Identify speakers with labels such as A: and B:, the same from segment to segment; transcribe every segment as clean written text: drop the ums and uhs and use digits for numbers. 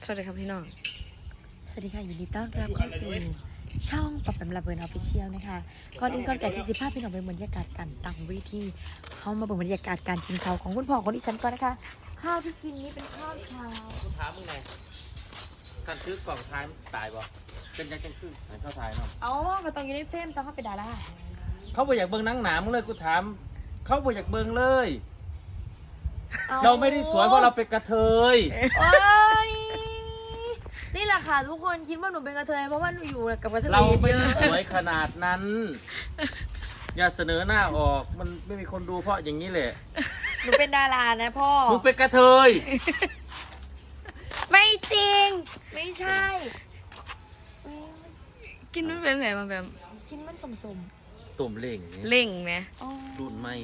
A: วัสดีครับพี่น้อง
B: สวัสดีค่ะยินดีต้อนรับเข้าสู่ช่องปรับแปมระเบิดออฟฟิเชียลนะคะก่อนอื่นก่อนไก่ที่15พี่น้องไปบรรยากาศการตั้งเวทีเข้ามาเบิ่งบรรยากาศการกินข้าวของคุณพ่อของดิฉันก่อนนะคะข้าวที่กินนี้เป็นข้าวเช้า
C: คุณถามมึงไงการซื้อกล่องท้ายมันตายบ่เป็นยังจังคือไหนเข้าท้ายเนาะ
B: อ๋อก็ต้องอยู่ในเฟรมต้องเข้าไปดารา
C: เขาบ่อยากเบิ่งหนังหนามึงเลยกูถามเขาบ่อยากเบิ่งเลย เราไม่ได้สวยเพราะเราเป็นกระเทย
B: โอ้ยนี่แหละค่ะทุกคนคิดว่าหนูเป็นกระเทยเพราะว่าหนูอยู่กับกระเทย
C: เราไม่
B: เย
C: ได้
B: อะ
C: สวยขนาดนั้น อย่าเสนอหน้าออกมันไม่มีคนดูเพราะอย่างนี้แหละ
B: หนูเป็นดารานะพ่อ
C: มึงเป็นกระเทย
B: ไม่จริงไม่ใช่อุ๊ย
A: กินไม่เป็นไรมาแบบ
B: กินมันสม
C: ตุ่มเล่งอย่างนี้
A: เล่งไหม
B: ๆอ๋อ
C: ดูดไม่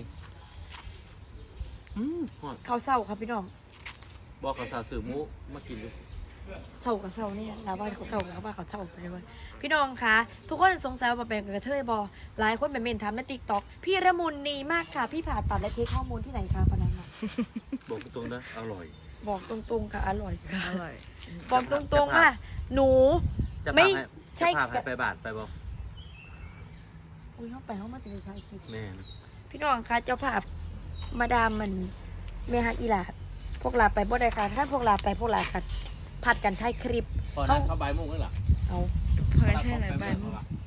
C: ฮอด
B: เขาเศร้าครับพี่น้อง
C: บอกกับสาวสื่อมุมากินดู
B: เศร้ากับเศร้าเนี่ยลาว่าเขาเศร้ากับว่าเขาเศร้าไปเลยพี่น้องคะทุกคนสงสัยว่าเป็นกระเทยบอหลายคนเป็นเมนถามในติ๊กต็อกพี่ระมุนนีมากค่ะ พี่ผ่าตัดและเทคข้อมูลที่ไหนคะพนันมา
C: บอกตรงๆนะอร่อย
B: บอกตรงๆค่ะอร่อยค่ะ
A: อร่อย
B: บอกตรงๆว่าหนู
C: จะ
B: ไม่
C: พาให้
B: ใช่
C: จะพาให้ไปบาทไปบอก
B: อุ้ยเข้าไปเข้ามาเป็นชายคลิป
C: แม่น
B: พี่น้องคะเจ้าภาพมาดามมันเมฮักอีหลาพวกลาไปบ่ได้ค่ะถ้าพวกลาไปพวกลาค่ะผัดกันถ่ายคลิป
C: พอนั้นเข้าใบายโมุ่งแล้วเหรอ
B: เอา
A: เพื่อนใช่ไหนบ้าง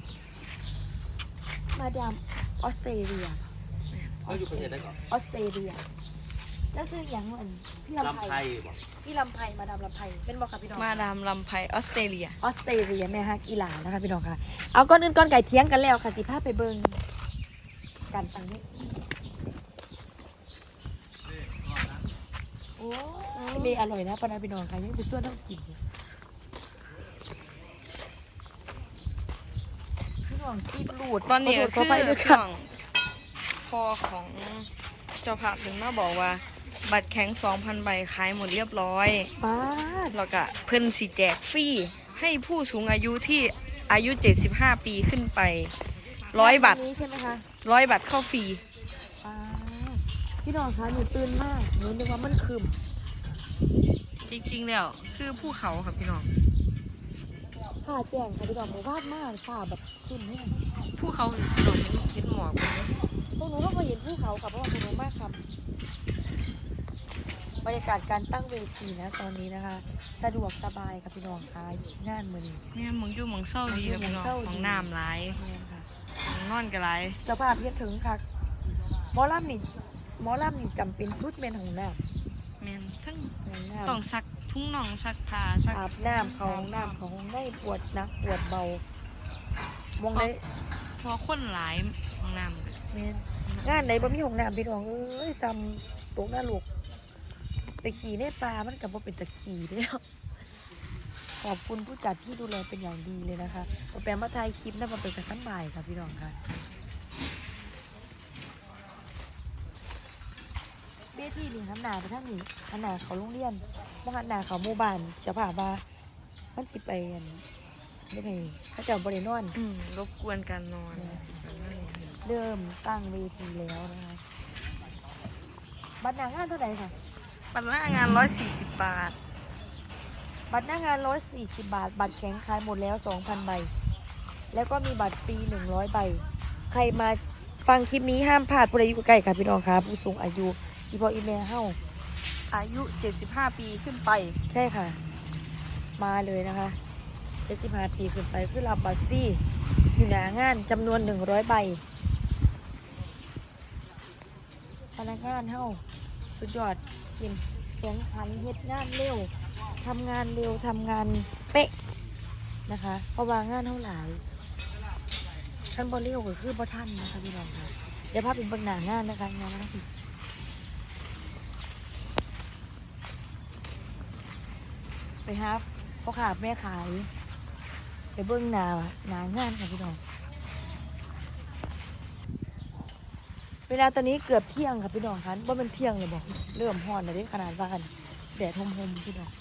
B: มาดามออสเตรเลีย
C: เขาอยู่ประเทศได้ก่อน
B: ออสเตรเลียแล้วซื้ออย่างเหมือนพี่ลำ
C: ลำ
B: ไพ
C: ไทยบอก
B: พี่ลำไพมาดามลำไพเป็นบอกกับพี่น้อง
A: มาดามลำไพออสเตรเลีย
B: ออสเตรเลียแม่ฮักอีหลานะคะพี่น้องค่ะเอาก้อนอื่นก้อนไก่เทียงกันแล้วค่ะสิพาไปเบิ่งกันตังนี้โอ้ยเลยอร่อยนะปานาพี่น้องค่ะยังไปส่วนต้องกินพี่น้องซีบรูด
A: ตอนนี้
B: ข
A: ก็
B: โทษข
A: คือ
B: อภัยด้วย
A: ช่
B: ค่ะ
A: วงพ่อของเจ้าภาพถึงมาบอกว่า บัตรแข็ง 2,000 ใบขายหมดเรียบร้อย
B: ป้าด
A: แล้วก็เพิ่นสิแจกฟรีให้ผู้สูงอายุที่อายุ 75 ปีขึ้นไป 100 บัตร
B: นี้ใช่ไหมคะ
A: 100 บัตรเข้าฟรี
B: ป้าดพี่น้องคะหนูตื่นมากหนูนึกว่ามันคืม
A: จริงๆแล้วคือภูเขาครับพี่น้อง
B: ฝ่าแจ้งค่ะพี่น้องบอกวาดมากฝ่าแบบคืมเนี่ย
A: ภูเขาเราเห็นหมอกไหม
B: พวกหนูต้องมาเห็นภูเขากับเพราะว่าพวกหนูมากครับบรรยากาศการตั้งเวทีนะตอนนี้นะคะ สะดวกสบายค่ะพี่น้องค่ะงานมือนี้
A: เนี่ยมึงอยู่มึงเศร้าดีครับพี่น้องของน้ำหลาย
B: เนี่ยค่ะ
A: ของนอนก็หลาย
B: เจ้าภาพเรียกถึงค่ะหมอลำนี่จำเป็นชุดเมนของน้
A: แม่นทั้ง
B: ำ
A: ต้องซักทุ่งน่องซักผ้าซัก
B: อาบน้ำเขาห้องน้ำเขาห้องได้ปวดหนักปวดเบามองได้
A: เพอคนหลายของน้ำก็
B: เมนงานไหนบ่มีห้องน้ำพี่น้องเอ้ยซ้ำตกหน้าลูกไปขี่ในป่ามันกับว่าเป็นตะขี่เด้อขอบคุณผู้จัดที่ดูแลเป็นอย่างดีเลยนะคะแปลมาถ่ายคลิปนะมาเป็นกระสันบ่ายค่ะพี่น้องค่ะเบี้ยที่นี่หันหนาไปทางนี้หันหนาเขาโรงเรียนบ่หันหนาเขาหมู่บ้านจะพาว่ามันสิไปอันไม่ไงเขาเจะบริโนอน
A: รบกวนการนอน
B: เริ่มตั้งเวทีแล้วนะคะบัตรหน้างานเท่าไหร่ค่ะ
A: ปันหน้างาน 140 บาท
B: บัตรหน้างาน140 บาท บัตรแข็งขายหมดแล้ว 2,000 ใบ แล้วก็มีบัตรฟรี100 ใบ ใครมาฟังคลิปนี้ห้ามพลาดผู้ใดอยู่ใกล้ค่ะพี่น้องค่ะผู้สูงอายุอีพออีเมลเฮ้า
A: อายุ 75 ปีขึ้นไป
B: ใช่ค่ะ มาเลยนะคะ75 ปีขึ้นไปคือรับบัตรฟรีอยู่หน้างานจำนวน100 ใบพนักงานเฮ้าสุดยอดกินแข็งขันเฮ็ดงานเร็วทำงานเร็วทำงานเป๊ะนะคะเพราะว่างานเท่าหลายท่านบอเร็วก็คือบ่ท่านนะคะพี่น้องค่ะเดี๋ยวพาไปเบิ่งหน้างานนะคะงานนั้นสิไปครับพ่อขาแม่ขายไปเบิ่งหน้างานค่ะพี่น้องเวลาตอนนี้เกือบเที่ยงค่ะพี่น้องคะว่ามันเที่ยงเลยบอกเริ่มฮ้อนแล้วเด้ขนาดว่ากันแดดหมๆพี่น้อง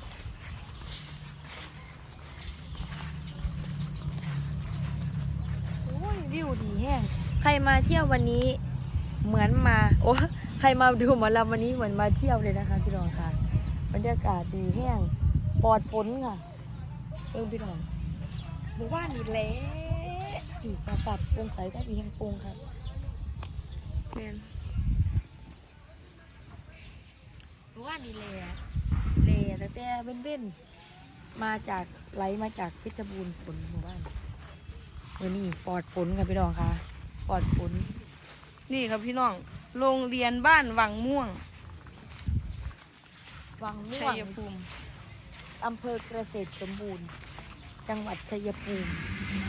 B: โอ้ยวิวดีแห้งใครมาเที่ยววันนี้เหมือนมาโอ้ใครมาดูหมอลำวันนี้เหมือนมาเที่ยวเลยนะคะพี่น้องค่ะบรรยากาศดีแห้งปลอดฝนค่ะพี่น้องหมู่บ้านนี่แหละผีฟ้าปรับโปร่งใสแต่มีแห่งโปร่งค่ะ
A: แม่น
B: หมู่บ้านนี่แหละแต่เบ้นมาจากไหลมาจากเพชรบูรณ์ฝนหมู่บ้านวันนี้ปลอดฝนค่ะพี่น้องค่ะปลอดฝน
A: นี่ครับพี่น้องโรงเรียนบ้านวังม่วง
B: วังม่
A: ชั
B: วง
A: ยภูมิ
B: อำเภอเกษตรสมบูรณ์ จังหวัดชัยภูมิ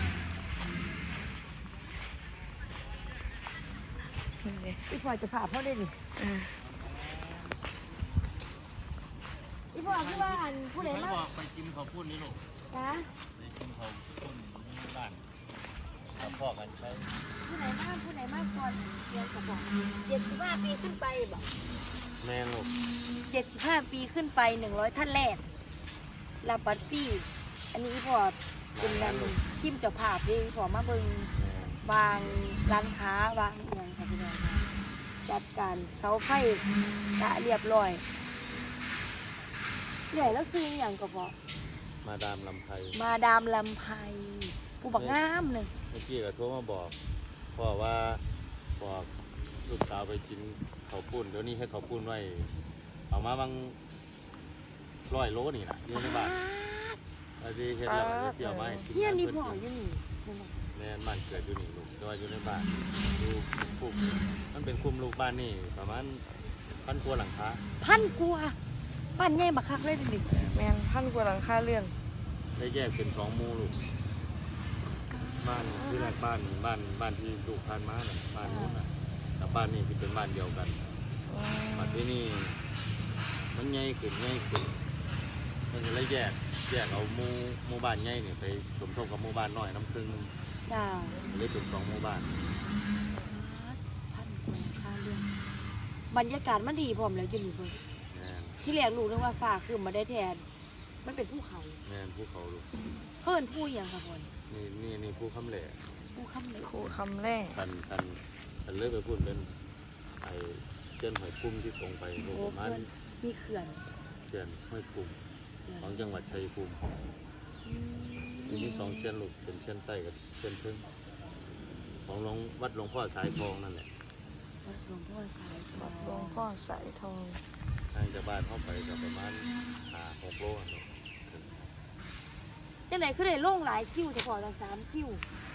A: นี่เลย
B: พี่พลอยจะพาพ่อได้ดิ
A: อ่า
B: พี่พลอยพี่ว่าอันผู้ใด
C: ไม่
B: มา
C: บอกไปกินข้าวปุ้นนี่ลูก
B: คะ
C: ไปกินข้าวปุ้นที่บ้านเอาพ่อกันใช้
B: ผู้ใดมาก่อนเรียนกับบอก75 ปีขึ้นไปบอก
C: แม่ลูก
B: 75 ปีขึ้นไป100ท่านแรกรับบัตรฟรีอันนี้พี่พลอยเป็นนันทีมเจ้าภาพที่พี่พลอยมาเบิ่งวางร้านค้าวางเงินค่ะพี่น้องค่ะจัดการเสาไฟกะเรียบร้อยใหญ่แล้วซื้ออย่างก็บอก
C: มาดามลำไพ
B: มาดามลำไพผู้บักงามเลย
C: เมื่อกี้ก็โทรมาบอกพ่อว่าบอกลูกสาวไปกินข้าวปุ้นเดี๋ยวนี้ให้ข้าวปุ้นไว้เอามาบาง100 โลนี่นะอยู่ในบ้านอาทิเฮ็ดแล้วก็เดี๋ยวมาให้กิ
B: เฮียนี่พ่ออยู่นี่
C: แม่นบ้านเกิดอยู่นี่ลูกแต่ว่าอยู่ในบ้านดูคุมมันเป็นคุมลูกบ้านนี่ประมาณ1,000 กว่าหลังคา
B: พันกว่าบ้านใหญ่บักคักเลยดิ
A: แม่นพันกว่าหลังคาเรือน
C: ได้แยกเป็น2 หมู่ลูกบ้านที่แรกบ้านที่ลูกพานมาน่ะบ้านนู้นน่ะกับบ้านนี้ที่เป็นบ้านเดียวกันบ้านที่นี่มันใหญ่ขึ้นมันก็เลยแยกเอาหมู่บ้านใหญ่นี่ไปสมทบกับหมู่บ้านน้อยน้ำครึ่งนึง
B: จ้า
C: เลยเป็น2 หมู่บ้าน
B: พันกว่าค่าเรื่องบรรยากาศมันดีพร้อมแล้วอยู่นี่เบิ่ง
C: แม่น
B: ที่แรกรู้นึกว่าฟ้าขึ้นมาได้แทน มันเป็นภูเขา
C: แม่นภูเขาลูก
B: เพิ่นผู้อหย่างค่ะพ่อ
C: นี่ภูคำแหล่
B: ผู้คำเลย
A: ครูคำแรก
C: กันเลยไปพูดเป็นไอ้เชื่อนหอยคุ้มที่ตรงไปลูก
B: โอ้
C: ประมาณ
B: เพิ่นมีเขื่อน
C: เชื่อนหอยคุ้มของจังหวัดชัยภูมิ
B: อืม
C: มี2 เชื่อนลูกเป็นเชื่อนใต้กับเชื่อนพึ่งของวัดหลวงพ่อสายทองนั่นแหละ
B: วัดหลวงพ่อสายทอ
A: วัดหลวงพ่อสายทอง
C: ห่างจากบ้านเข้าไปก็ประมาณ6 โลอะลูก
B: จังไหนคือได้ลงหลายคิวแต่พอละ3 คิว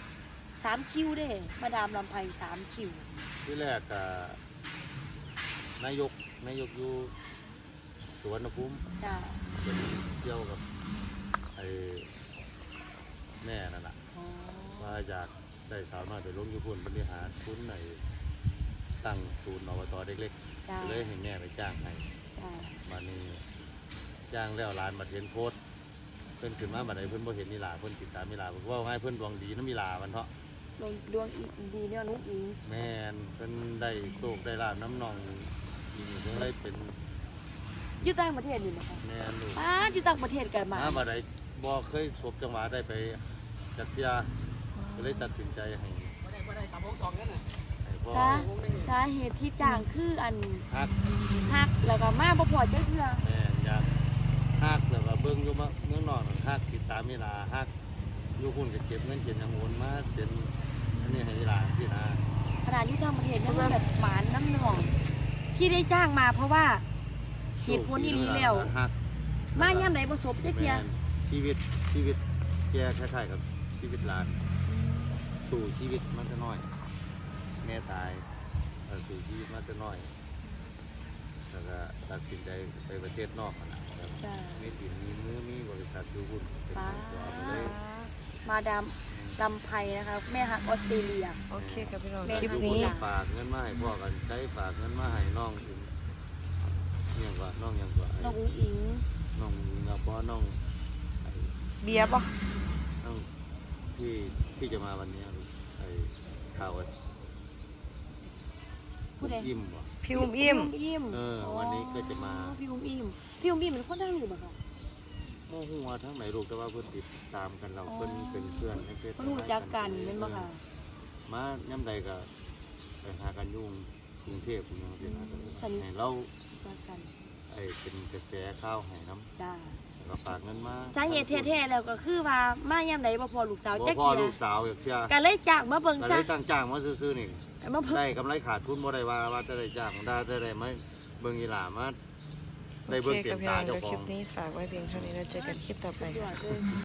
B: 3 คิวเด้มาดามลำไพ3 คิว
C: ที่แรกกับนายกอยู่สุวรรณภูมิ
B: จ้า
C: เป็นเชี่ยวกับไอ้แม่นั่นแหละ
B: อ๋อ
C: ว่าอยากได้สาวน้อยไปลงอยู่พุ่นบริหารทุนในตั้งศูนย์อบตเล็ก
B: จ้า
C: ๆก็เลยให้แม่ไปจ้างให้
B: จ้า
C: มานี่จ้างแล้วร้านมาเห็นโพสต์เพิ่นขึ้นมาบัดใดเพิ่นบ่เห็นนี่ล่ะเพิ่นติดตามนี่ล่ะว่าให้เพิ่นดวงดีน้ำมีลามันเถาะ
B: ดวงอีกดีเนี่ยนุ๊กอิง
C: แม่นเพิ่นได้โชคได้ลาบน้ำนองนี่เพิ่นเลยเป็น
B: อยู่ต่างประเทศอยู่นะคะ
C: แม่นลูก
B: อยู่ต่างประเทศกันมา
C: บัดใดบ่เคยสบจังหวะได้ไปจักเที่ยก็เลยตัดสินใจให้ให้พ่อ
B: สาเหตุที่จ้างคืออัน
C: ฮัก
B: ฮักแล้วก็มาบ่พอจักเทื่อ
C: แม่นอยากฮักแล้วก็เบิ่งอยู่เมืองนอกนั่นฮักติดตามนี่ล่ะฮักอยู่หุ่นก็เก็บเงินเก็บหยังโอนมาเป็นอันนี้ให้นี่ล่ะที่นา
B: ขนาดอยู่ต่างประเทศยังแบบหมานน้ำหนองที่ได้จ้างมาเพราะว่าเหตุผลนี้แล้ว
C: ฮัก
B: มาย่ำไหนประสบจักเทื่อ
C: แม่นชีวิตแกคล้ายๆกับชีวิตหลานสู่ชีวิตมันจะน้อย แม่ตายสู่ชีวิตมันจะน้อยแล้วก็ตัดสินใจไปประเทศนอกนะครับ
B: จ้า
C: มีถิ่นมีมือมีบริษัทอยู่หุ้นเป็น
B: ป้า
C: ของตัวไปเลย
B: มาดามลำไพนะคะแม่ฮักออสเตรเลีย
A: โอเคครับพี่น้อง
B: แม่
A: คลิป
C: ทุกค
A: นี้
C: นฝากเงินมาให้พ่อกันใช้ฝากเงินมาให้น้องถึงเนี่ยกว่าน้องยังกว่า
B: น้องอุ้งอิง
C: น้องกับพ่อน้องไอ้
A: เบียร์ปะ
C: น้องที่จะมาวันนี้ไอ้ข่าวว่า
B: ผู้ใด
C: อิ่มวะ
A: พี่อุ้มอิ่ม
B: อิ่ม
C: วันนี้ก็จะมา
B: พี่อุ้มอิ่มพี่อุ้มอิ่มเป็นคนทางนี้บ่คะ
C: โมหัวทั้งไหนลูกแต่ว่าเพื่อนติดตามกันเราเพื่อนเป็นเพื่อนในเฟซ
B: เพิ่นรู้จักกันแม่นบ่ค่ะ
C: มาย่ำใดก็ไปหากันยุ่งกรุงเทพคุณยังเป็นหากันให้เรา
B: รู้จักกัน
C: ไอ้เป็นกระแสข้าวให้น้
B: จ้า
C: ำแล้วก็ก็ฝากเงินมา
B: สาเหตุแท้ๆแล้วก็คือว่ามาย่ำไหนบ่พอลูกสาว
C: บ่
B: จัก
C: พ่อ
B: เที
C: ลู
B: ย
C: กสาวอยากเชื่อ
B: ก็เลยจ้างมาเบิ่ง
C: ก็
B: ซะ
C: เลยตั้งจ้างมาซื้อๆนี่
B: มาเบิ่ง
C: ได้กำไรขาดทุนบ่ได้ว่าจะได้จ้างได้จะได้ไหมเบิ่งอีหลามาได้
A: โอ
C: เบิ่ง
A: เค
C: เต็
A: กับ
C: ม
A: พี่
C: ตา
A: น้อง
C: เจ้า
A: เดี๋ยว
C: ข
A: ค
C: อ
A: ลิ
C: ง
A: ปนี้ฝากไว้เพียงเท่านี้แล้วเจอกันคลิปต่อไป
B: สุดยอ
A: ค่ะ
B: ดเลย